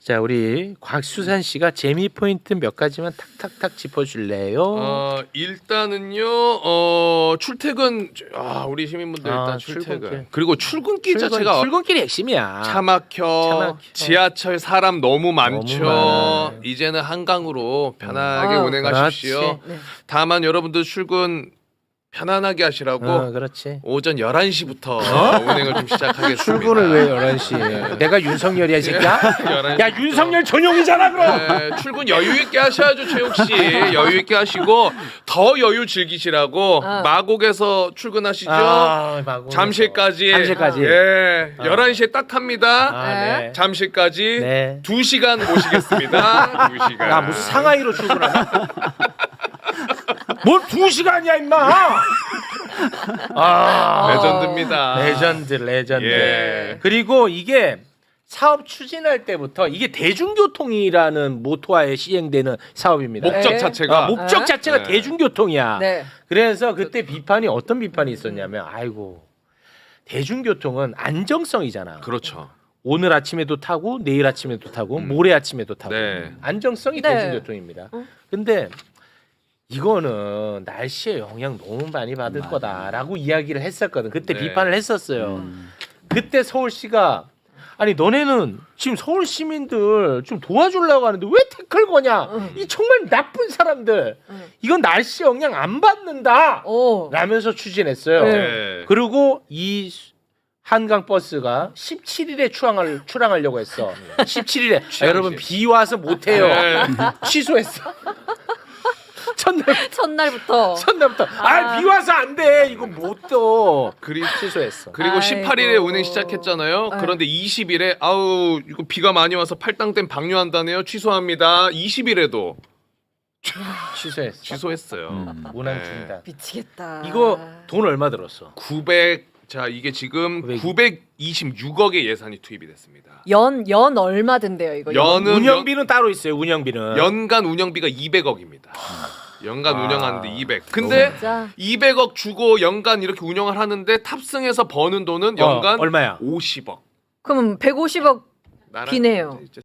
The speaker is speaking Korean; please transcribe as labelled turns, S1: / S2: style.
S1: 자, 우리 곽수산 씨가 재미 포인트 몇 가지만 탁탁탁 짚어줄래요?
S2: 일단은요. 출퇴근 우리 시민분들 일단 출퇴근.
S1: 출근길.
S2: 그리고 출근길 자체가
S1: 출근길이 핵심이야.
S2: 차 막혀. 지하철 사람 너무 많죠.
S1: 많아.
S2: 이제는 한강으로 편하게 운행하십시오.
S1: 그렇지.
S3: 네.
S2: 다만 여러분들 출근 편안하게 하시라고
S1: 그렇지.
S2: 오전 11시부터 운행을 좀 시작하겠습니다.
S1: 출근을 왜 11시에? 내가 윤석열이야, 이 새끼야?
S2: 11시
S1: 야, 윤석열 전용이잖아, 그럼.
S2: 네, 출근 여유 있게 하셔야죠, 최욱 씨. 여유 있게 하시고 더 여유 즐기시라고 마곡에서 출근하시죠.
S1: 마곡에서.
S2: 잠실까지.
S1: 잠실까지.
S2: 예. 11시에 딱 합니다.
S1: 네.
S2: 잠실까지
S1: 네.
S2: 2시간 모시겠습니다. 2시간.
S1: 야, 무슨 상하이로 출근하나? 뭘 2시간이야, 임마!
S2: 레전드입니다.
S1: 레전드.
S2: 예.
S1: 그리고 이게 사업 추진할 때부터 이게 대중교통이라는 모토하에 시행되는 사업입니다.
S2: 목적
S3: 네.
S2: 자체가
S1: 목적 자체가
S2: 네.
S1: 대중교통이야.
S3: 네.
S1: 그래서 그때 비판이 어떤 비판이 있었냐면, 아이고, 대중교통은 안정성이잖아.
S2: 그렇죠.
S1: 오늘 아침에도 타고 내일 아침에도 타고 모레 아침에도 타고
S2: 네.
S1: 안정성이
S3: 네.
S1: 대중교통입니다. 근데 이거는 날씨에 영향 너무 많이 받을 거다라고 이야기를 했었거든. 그때
S2: 네.
S1: 비판을 했었어요. 그때 서울시가 아니 너네는 지금 서울 시민들 좀 도와주려고 하는데 왜 태클 거냐? 이 정말 나쁜 사람들. 이건 날씨 영향 안 받는다.
S3: 오.
S1: 라면서 추진했어요.
S2: 네.
S1: 그리고 이 한강 버스가 17일에 출항하려고 했어. 17일에 여러분 비 와서 못 해요.
S2: 네.
S1: 취소했어.
S3: 첫날부터.
S1: 첫날부터 비 와서 안 돼. 이거 못 떠. 취소했어.
S2: 그리고
S3: 아이고.
S2: 18일에 운행 시작했잖아요. 그런데 20일에 아우 이거 비가 많이 와서 팔당댐 방류한다네요. 취소합니다. 20일에도
S1: 취소했어.
S2: 취소했어요.
S1: 운항중이다.
S3: 미치겠다.
S1: 이거 돈 얼마 들었어?
S2: 900 자 이게 지금 926억의 예산이 투입이 됐습니다.
S3: 연 얼마 든대요 이거?
S2: 연은
S1: 운영비는 따로 있어요. 운영비는.
S2: 연간 운영비가 200억입니다. 연간 운영하는데 200. 근데
S3: 진짜?
S2: 200억 주고 연간 이렇게 운영을 하는데 탑승해서 버는 돈은 연간
S1: 얼마야?
S2: 50억.
S3: 그럼 150억 비네요.